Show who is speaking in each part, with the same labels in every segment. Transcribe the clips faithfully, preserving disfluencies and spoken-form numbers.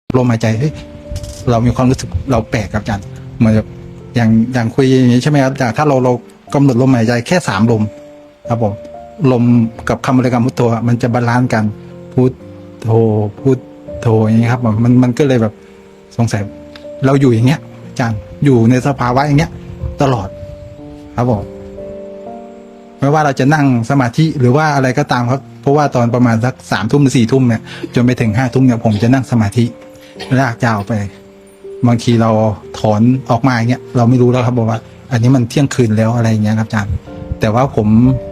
Speaker 1: ลมหายใจเฮ้ยเรามีความรู้สึกเราแปลกครับอาจารย์เหมือนแบบอย่างอย่างคุยอย่างนี้ใช่ไหมครับแต่ถ้าเราเรากำหนดลมหายใจแค่สามลมครับผมลมกับคำบริกรรมพุทโธมันจะบาลานซ์กันพุทโธพุทโธอย่างนี้ครับมันมันก็เลยแบบสงสัยเราอยู่อย่างเงี้ยอาจารย์อยู่ในสภาวะอย่างเงี้ยตลอดครับผมไม่ว่าเราจะนั่งสมาธิหรือว่าอะไรก็ตามครับเพราะว่าตอนประมาณสักสามทุ่มหรือสี่ทุ่มเนี่ยจนไปถึงห้าทุ่มเนี่ยผมจะนั่งสมาธิลากยาวไปบางทีเราถอนออกมาอย่างเงี้ยเราไม่รู้แล้วครับบอกว่า อันนี้มันเที่ยงคืนแล้วอะไรอย่างเงี้ยครับอาจารย์แต่ว่าผม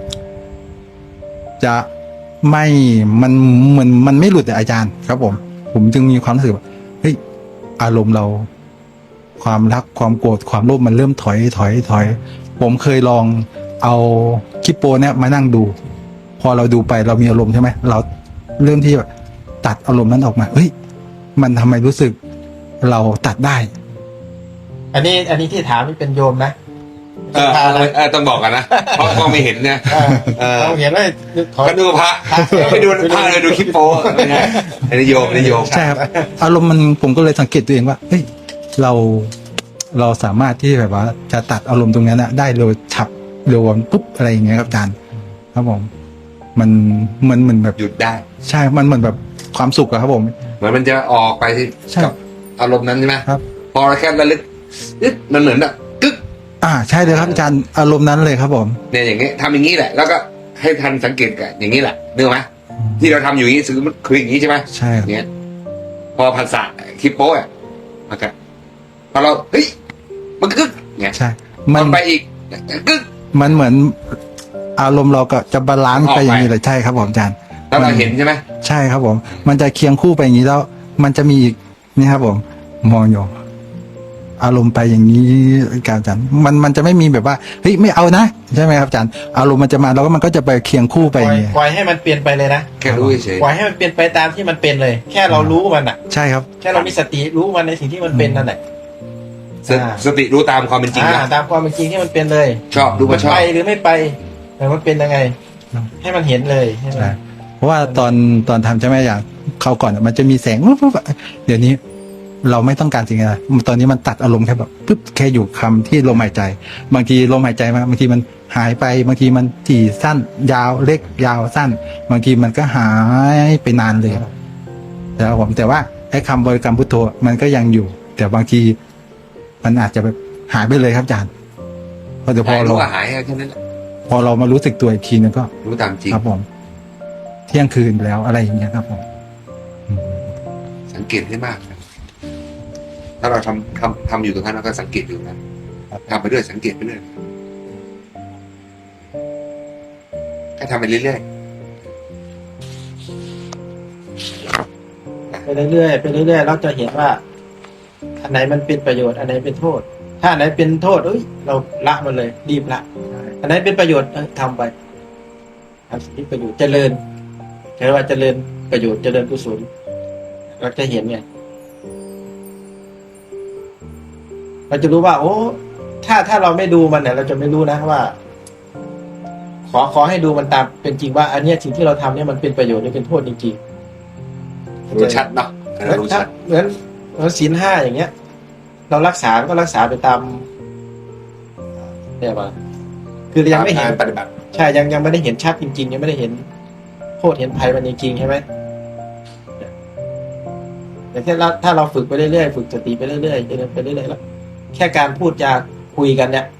Speaker 1: จะไม่มันเหมือนมันไม่หลุดอาจารย์ครับผมผมจึงมีความรู้สึกว่าเฮ้ยอารมณ์เรา ความรักความโกรธความโลภมันเริ่มถอยถอยถอย ผมเคยลองเอาคลิปโปเนี่ยมานั่งดู พอเราดูไปเรามีอารมณ์ใช่ไหมเราเริ่มที่แบบตัดอารมณ์นั้นออกมาเฮ้ยมันทำไมรู้สึกเราตัดได้
Speaker 2: อันนี้อันนี้ที่ถามนี่เป็นโยมนะ
Speaker 3: เออเออต้องบอกกันนะเพราะก็ไม่เห็นเนี่ย
Speaker 2: เออ
Speaker 3: เออ
Speaker 2: เราเห็นว่าถอย
Speaker 3: ก็ดูพระไปดูพระเลยดูคลิปโป้ไม่ใช่อันนี้โยมอันนี้โยม
Speaker 1: ใช่ครับอารมณ์มันผมก็เลยสังเกตตัวเองว่าเฮ้ยเราเราสามารถที่แบบว่าจะตัดอารมณ์ตรงนั้นนะได้เร็วฉับเร็วปุ๊บอะไรอย่างเงี้ยครับอาจารย์ครับผมมันมันเหมือนแบบ
Speaker 3: หยุดได้
Speaker 1: ใช่มันเหมือนแบบความสุขอะครับผม
Speaker 3: เหมือนมันจะออกไปที่
Speaker 1: ใช่
Speaker 3: กับอารมณ์นั้นใช่ไหม
Speaker 1: ครับ
Speaker 3: พอเราแค่ระลึกอึ๊ดมันเหมือนแบบกึ๊ก
Speaker 1: อ่าใช่เลยครับอาจารย์อารมณ์นั้นเลยครับผม
Speaker 3: เนี่ยอย่างเงี้ยทำอย่างนี้แหละ แล้วก็ให้ทันสังเกตกันอย่างนี้แหละนึกไหมที่เราทำอยู่อย่างนี้คือคืออย่างนี้ใช่ไหม
Speaker 1: ใช่ครับ
Speaker 3: เนี้ยพอภาษาคลิปโป้อะมันก็พอเราเฮ้ยมันกึ๊กเนี่ย
Speaker 1: ใช่
Speaker 3: มั
Speaker 1: มัน
Speaker 3: นไปอีกกึ๊ก
Speaker 1: มันเหมือนอารมณ์เราก็จะบาลานซ์
Speaker 3: ออก
Speaker 1: ไป
Speaker 3: ไป
Speaker 1: อย่างนี้เลยใช่ครับผมอาจารย์
Speaker 3: แล้วเราเห็นใช่ไหม
Speaker 1: ใช่ครับผม มันจะเคียงคู่ไปอย่างนี้แล้ว มันจะมีอีกนี่ครับผม มองอยู่อารมณ์ไปอย่างนี้การอาจารย์มันมันจะไม่มีแบบว่าเฮ้ยไม่เอานะใช่ไหมครับอาจารย์อารมณ์มันจะมาแล้วก็มันก็จะไปเคียงคู่ไป
Speaker 2: ป
Speaker 1: อ
Speaker 2: ล่อย
Speaker 1: ย่างนี้
Speaker 2: ปล่อยให้มันเปลี่ยนไปเลยนะ
Speaker 3: แค่รู้เฉย
Speaker 2: ปล่อยให้มันเปลี่ยนไปตามที่มันเป็นเลย แค่เรารู้มันอ่ะ
Speaker 1: ใช่ครับ
Speaker 2: แค่เรามีสติรู้มันในสิ่งที่มันเป็นนั่นแหละ
Speaker 3: สติสติรู้ตามความเป็นจริง
Speaker 2: อ่า
Speaker 3: นะ
Speaker 2: ตามความเป็นจริงที่มันเป็นเลย
Speaker 3: ชอบดู
Speaker 2: มั
Speaker 3: ว่าน ชอบ
Speaker 2: ไปหรือไม่ไปแต่มันเป็นยังไง ให้มันเห็นเลยใช่ไหม
Speaker 1: ใช่เพราะว่าตอนตอนทำใช่ไหมอย่างเขาวก่อนมันจะมีแสงปุ๊บปุ๊บเดี๋ยวนี้ เราไม่ต้องการสิ่งอะไรตอนนี้มันตัดอารมณ์แค่แบบปุ๊บแค่อยู่คำที่ลมหายใจ บางทีลมหายใจมาบางทีมันหายไปบางทีมันถี่สั้น ยาวเล็กยาวสั้น บางทีมันก็หายไปนานเลยแต่ผมแต่ว่าไอ้คำบริกรรมพุทโธมันก็ยังอยู่ แต่บางทีมันอาจจะแบบหายไปเลยครับอาจารย์เพราะเดี๋ยวพอ
Speaker 3: หาย
Speaker 1: เรา
Speaker 3: รู้ว่าหายแค่นั้นแหละ
Speaker 1: พอเรามารู้สึกตัวอีกทีนึงก็
Speaker 3: รู้ตามจริง
Speaker 1: ครับผม เที่ยงคืนแล้วอะไรอย่างเงี้ยครับผมอืม
Speaker 3: สังเกตให้มากนะถ้าเราทำทำทำอยู่ตรงนั้นเราก็สังเกตอยู่นะทำไปเรื่อยสังเกตไปเรื่อยให้ทำไปเรื่อย
Speaker 2: ไปเรื่อยๆไปเรื่อยๆเราจะเห็นว่า อันไหนมันเป็นประโยชน์อันไหนเป็นโทษ ถ้าอันไหนเป็นโทษเอ้ยเราละมันเลยรีบละอันไหนเป็นประโยชน์เอ้ยทำไปทำสิ่งที่ประโยชน์เจริญใช้ว่าเจริญประโยชน์เจริญกุศลเราจะเห็นไงเราจะรู้ว่า โอ้ถ้าถ้าเราไม่ดูมันเนี่ยเราจะไม่รู้นะว่า ขอขอให้ดูมันตามเป็นจริงว่า อันเนี้ยสิ่งที่เราทำเนี่ยมันเป็นประโยชน์หรือเป็นโทษจริงๆ
Speaker 3: ๆรู้ชัดเนาะ
Speaker 2: เหมือน
Speaker 3: รู้
Speaker 2: ถ้า
Speaker 3: ชัด
Speaker 2: เหมือนเหมือนศีลห้าอย่างเงี้ย เรารักษาก็รักษาไปตามเนี่ยว่าคือยังไม่เห็น
Speaker 3: ตาการปฏิบัติ
Speaker 2: ใช่ยังยังไม่ได้เห็นชัดจริงๆยังไม่ได้เห็นโทษเห็นภัยมันจริงๆใช่ไหมแต่ถ้าเราถ้าเราฝึกไปเรื่อยๆฝึกสติไปเรื่อยๆเจริญไปเรื่อยๆแล้วแค่การพูดจาคุยกันเนี่ย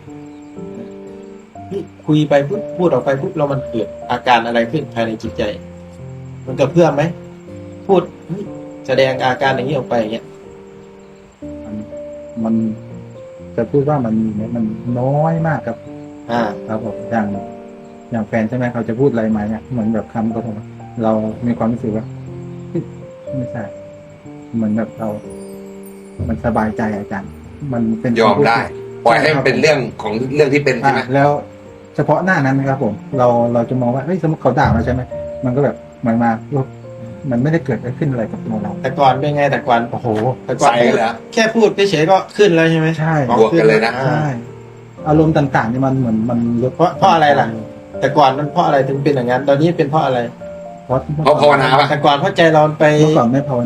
Speaker 2: คุยไปพูดพูดออกไปปุ๊บเรามันเกิดอาการอะไรขึ้นภายในจิตใจ มันกระเพื่อมไหมพูดเฮ้ยแสดงอาการอย่างนี้ออกไปอย่างเงี้ย
Speaker 1: มันมันจะพูดว่ามันมันน้อยมากครับ
Speaker 2: อ่า
Speaker 1: ครับผมอย่างอย่างแฟนใช่ไหมเขาจะพูดอะไรมาเนี่ยเหมือนแบบคำก็ผมเรามีความรู้สึกว่าเฮ้ยไม่ใช่เหมือนแบบเรา มันสบายใจอาจารย์ มันเป็น
Speaker 3: ยอมได้ปล่อยให้มันเป็นเรื่องของเรื่องที่เป็นใช่ไหม
Speaker 1: อ่ะแล้วเฉพาะหน้านั้นนะครับผม เราเราจะมองว่าเฮ้ยสมมติเขาด่าเราใช่ไหมมันก็แบบเหมือนมามันไม่ได้เกิดอะไรขึ้นอะไรกับตัวเรา
Speaker 2: แต่ก่อนเป็นไงแต่ก่อน
Speaker 1: โอ้โห
Speaker 2: แต่ก่อน
Speaker 3: ใส่เลยเหรอ
Speaker 2: แค่พูดเฉยๆก็ขึ้นแล้วใช่ไหม
Speaker 1: ใช่
Speaker 3: บวกกันเลยนะ
Speaker 2: อ่า
Speaker 1: ใช่อารมณ์ต่างๆนี่มันเหมือนมันลด
Speaker 2: เพราะเพราะอะไรล่ะ แต่ก่อนมันเพราะอะไรถึงเป็นอย่างนั้น ตอนนี้เป็นเพราะอะไร
Speaker 1: เพราะ
Speaker 3: เพราะภาวนาปะ
Speaker 2: แต่ก่อนเพราะใจเราไป
Speaker 1: เมื่อก่อนไม่ภาวนา
Speaker 2: ไ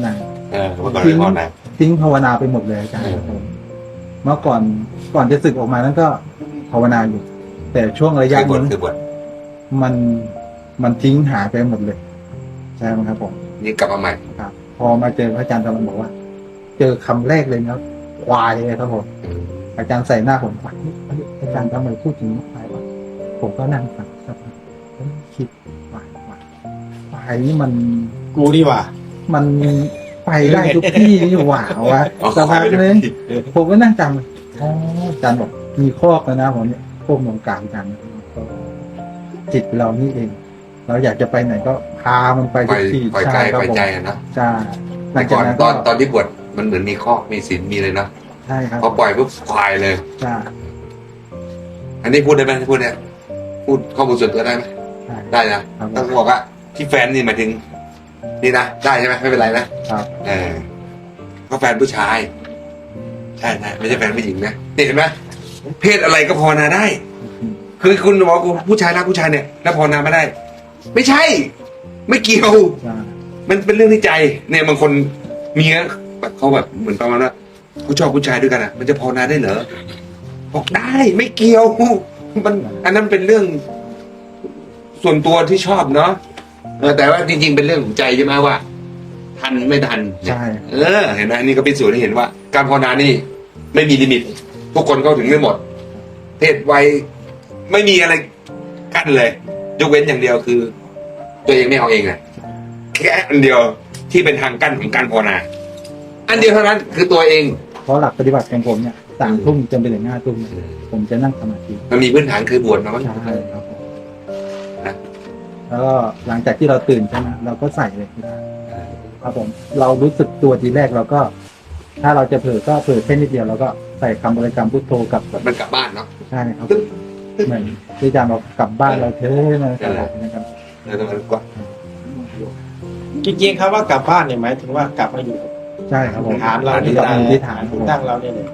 Speaker 3: เออเมื่อก่อนไม่พอนะ
Speaker 1: ทิ้งภาวนาไปหมดเลยอาจารย์
Speaker 3: เออ
Speaker 1: ผมเมื่อก่อนก่อนจะศึกออกมานั้นก็ภาวนาอยู่ แต่ช่วงระยะ
Speaker 3: คือบท
Speaker 1: นี้
Speaker 3: คือบท
Speaker 1: มันมันทิ้งหายไปหมดเลยใช่ไหมครับผม
Speaker 3: นี่กลับมาใหม่
Speaker 1: ครับ พอมาเจอพระอาจารย์ตะวันบอกว่า เจอคำแรกเลยนะควายเลยครับผมอาจารย์ใส่หน้าผมว่าเฮ้ยอาจารย์ทำไมพูดถึงควายวะผมก็นั่งฟังสักพักเฮ้ยคิดควายควายควายนี่มัน
Speaker 2: กูดีกว่า
Speaker 1: มันไปได้ทุกที่นี่หว่าวะ
Speaker 3: อ๋อ
Speaker 1: สักพัก
Speaker 3: ไปได้
Speaker 1: นึ
Speaker 3: ทุ
Speaker 1: ง
Speaker 3: กที่
Speaker 1: ผมก็นั่งจำอ๋ออาจารย์บอกมีคอกแล้วนะผมเนี่ยพวกมงการกันจิตเรานี่เอง เราอยากจะไปไหนก็พามันไป
Speaker 3: ปล่
Speaker 1: ทุ
Speaker 3: อย
Speaker 1: กที่
Speaker 3: ปล่อย
Speaker 1: ใช่
Speaker 3: กาย
Speaker 1: ครั
Speaker 3: ป
Speaker 1: บ
Speaker 3: ล่อย
Speaker 1: ผม
Speaker 3: ใจอะนะ
Speaker 1: ใช่หลั
Speaker 3: แต่
Speaker 1: งจา
Speaker 3: ก่
Speaker 1: ก
Speaker 3: อน
Speaker 1: นั้น
Speaker 3: ต
Speaker 1: ก็
Speaker 3: อนตอนที่บวชมันเหมือนมีข้อมีศีลมีเลยเนาะ
Speaker 1: ใช่ครับ
Speaker 3: พอปล่อยปุ๊บควายเลย
Speaker 1: ใช่
Speaker 3: อันนี้พูดได้ไหมพูดเนี่ยพูดข้อมูลส่วนตัวได้ไหม
Speaker 1: ใช่
Speaker 3: ได้นะครับ ต้องบอกว่าที่แฟนนี่หมายถึง นี่นะได้ใช่ไหมไม่เป็นไรนะครับ เออก็แฟนผู้ชาย ใช่ใช่ไม่ใช่แฟนผู้หญิงนะนี่เห็นไหมเพศอะไรก็ภาวนาได้ คือคุณบอกว่าผู้ชายรักผู้ชายเนี่ยแล้วภาวนาไม่ได้ ไม่ใช่ ไม่เกี่ยว
Speaker 1: ใช่
Speaker 3: มันเป็นเรื่องที่ใจ เนี่ยบางคนมีนะแบบเขาแบบเหมือนประมาณว่าผู้ชอบผู้ชายด้วยกันอ่ะ มันจะภาวนาได้เหรอบอกได้ไม่เกี่ยวมันอันนั้นเป็นเรื่อง ส่วนตัวที่ชอบเนาะเออแต่ว่าจริงๆเป็นเรื่องของใจใช่ไหมว่า ทันไม่ทันเนี่ย
Speaker 1: ใช่
Speaker 3: เออเห็นไหมนี่ก็เป็นส่วนที่เห็นว่า การภาวนานี่ ไม่มีลิมิต ทุกคนเข้าถึงได้หมด เพศวัยไม่มีอะไรกั้นเลยยกเว้นอย่างเดียวคือ ตัวเองไม่เอาเองอะแค่อันเดียวที่เป็นทางกั้นของการภาวนา อันเดียวเท่านั้นคือตัวเอง
Speaker 1: เพราะหลักปฏิบัติของผมเนี่ยสามทุ่มจนไปถึงห้าทุ่มเนี่ยผมจะนั่งสมาธิ
Speaker 3: มันมีพื้นฐานคือบวชมาบ้าง
Speaker 1: ใช่ครับผม
Speaker 3: นะ
Speaker 1: แล้วก็หลังจากที่เราตื่นใช่ไหมเราก็ใส่เลยที่บ้านครับผม เรารู้สึกตัวทีแรกเราก็ ถ้าเราจะเผลอก็เผลอแค่นิดเดียวเราก็ใส่คำบริกรรมพุทโธกับ
Speaker 3: มันกลับบ้านเนาะ
Speaker 1: ใช่ครับเหมือนที่อาจารย์บอกกลับบ้านเราเท่มาตลอดนะครับ
Speaker 3: เออมันกว่า
Speaker 2: จริงๆครับว่ากลับบ้านเนี่ยหมายถึงว่ากลับมาอยู่
Speaker 1: ใช่ครับผม
Speaker 2: ฐานเรา
Speaker 1: ที่
Speaker 2: ที่
Speaker 1: เรา
Speaker 2: ตั้ง
Speaker 1: ที่ฐานครับผม
Speaker 2: ตั้งเราเนี่ยเลย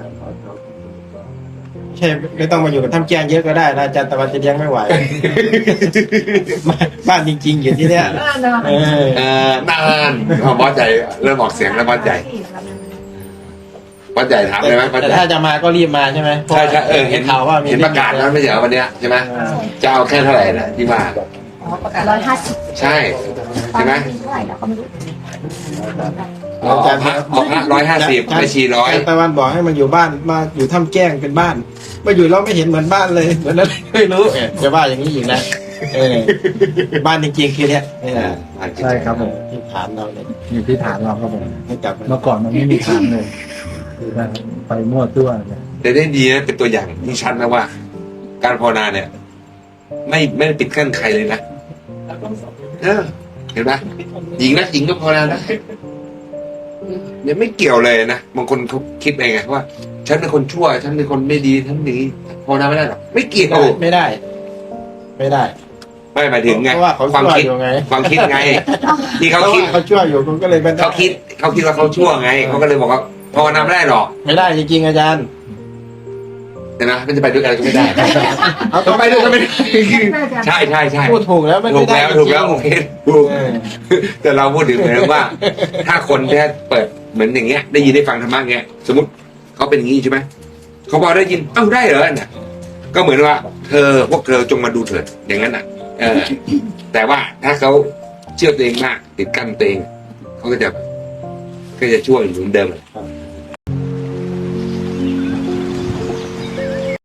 Speaker 2: ใช่ไม่ต้องมาอยู่กับท่ามแจ้งเยอะก็ได้นะอาจารย์ตะวันจะเลี้ยงไม่ไหว บ้านจริง ๆ อยู่ที่เนี้ยเออ
Speaker 3: เออนานพอบอสใจเริ่มออกเสียงแล้วบอสใจบอสใจถามเลยไหมบอส
Speaker 2: แต่
Speaker 3: ใจ
Speaker 2: ถ้าจะมาก็รีบมาใช่ไหม
Speaker 3: ใช่ใช่เออเห็น
Speaker 2: ข่าวว่ามี
Speaker 3: เห็นประกาศแล้วไม่ใช่เหรอวันเนี้ยใช่ไหม
Speaker 2: อ่า
Speaker 3: จะเอาแค่เท่าไหร่นะที่มา
Speaker 4: อ๋อประกาศร้อยห้าสิบ
Speaker 3: ใช่ใช่ไหม
Speaker 4: เท่าไหร่แล้วก็ไม่รู้
Speaker 3: อ๋อพระออกพระร้อยห้าสิบไม่ชีร้อย
Speaker 2: อาจารย์ตะวันบอกให้มันอยู่บ้านมาอยู่ท่ามแจ้งเป็นบ้านมาอยู่แล้วไม่เห็นเหมือนบ้านเลยเหมือนอะไรไม่รู้เออจะว่าอย่างนี้อีกนะเออบ้านจริงๆคือเนี้ยนี่นะ
Speaker 1: ใช่ครับผม
Speaker 2: ที่ฐานเราเนี่ย
Speaker 1: อยู่ที่ฐานเราครับผม
Speaker 2: ให้กลับมา
Speaker 1: เมื่อก่อนมันไม่มีฐานเลยไปมั่วตัวเลย
Speaker 3: แต่ได้ดีนะเป็นตัวอย่างที่ชัดนะว่า การภาวนาเนี่ย ไม่ไม่ได้ปิดกั้นใครเลยนะเออเห็นไหมหญิงนะหญิงก็ภาวนาได้ยังไม่เกี่ยวเลยนะบางคนเขาคิดเองไงว่า ฉันเป็นคนชั่ว ฉันเป็นคนไม่ดีฉันหนีภาวนาไม่ได้หรอกไม่เกี่ยว
Speaker 2: ไม่ได้ ไม่ได้
Speaker 3: ไม่หมายถึงไง
Speaker 2: เพราะว่าเขา
Speaker 3: ความ
Speaker 2: ชั่ว
Speaker 3: คิด
Speaker 2: อยู่ไง
Speaker 3: ความคิดไง ที่
Speaker 2: เขา
Speaker 3: เขาคิด
Speaker 2: เขาชั่วอยู่คุณก็เลยไม่ได้
Speaker 3: เขาคิดเขาคิดว่าเขาชั่วไงเขาก็เลยบอกว่าภาวนาไม่ได้หรอก
Speaker 2: ไม่ได้จริงๆอาจารย์
Speaker 3: เห็นไหมมันจะไปด้วยกันก็ไม่ได้
Speaker 2: เอา
Speaker 3: ต้องไปด้วยกันไม่ได้ใช่ใช่ใช่
Speaker 2: พูดถูกแล้วไม่
Speaker 3: ถูก
Speaker 2: ได้
Speaker 3: แล้ว
Speaker 2: จริงๆ
Speaker 3: ถูกแล้วโอเคถูก
Speaker 2: เออ
Speaker 3: แต่เราพูดถึงเหมือนว่า ถ้าคนแค่เปิดเหมือนอย่างเงี้ย ได้ยินได้ฟังธรรมะเงี้ย สมมติเขาเป็นอย่างงี้ใช่ไหมเขาพอได้ยินเอ้าได้เหรอเนี่ยก็เหมือนว่า เธอพวกเธอจงมาดูเถิดอย่างนั้นอ่ะ เออ แต่ว่าถ้าเขาเชื่อตัวเองมากติดกั้นตัวเองเขาก็จะก็จะช่วยอยู่เหมือนเดิมเลย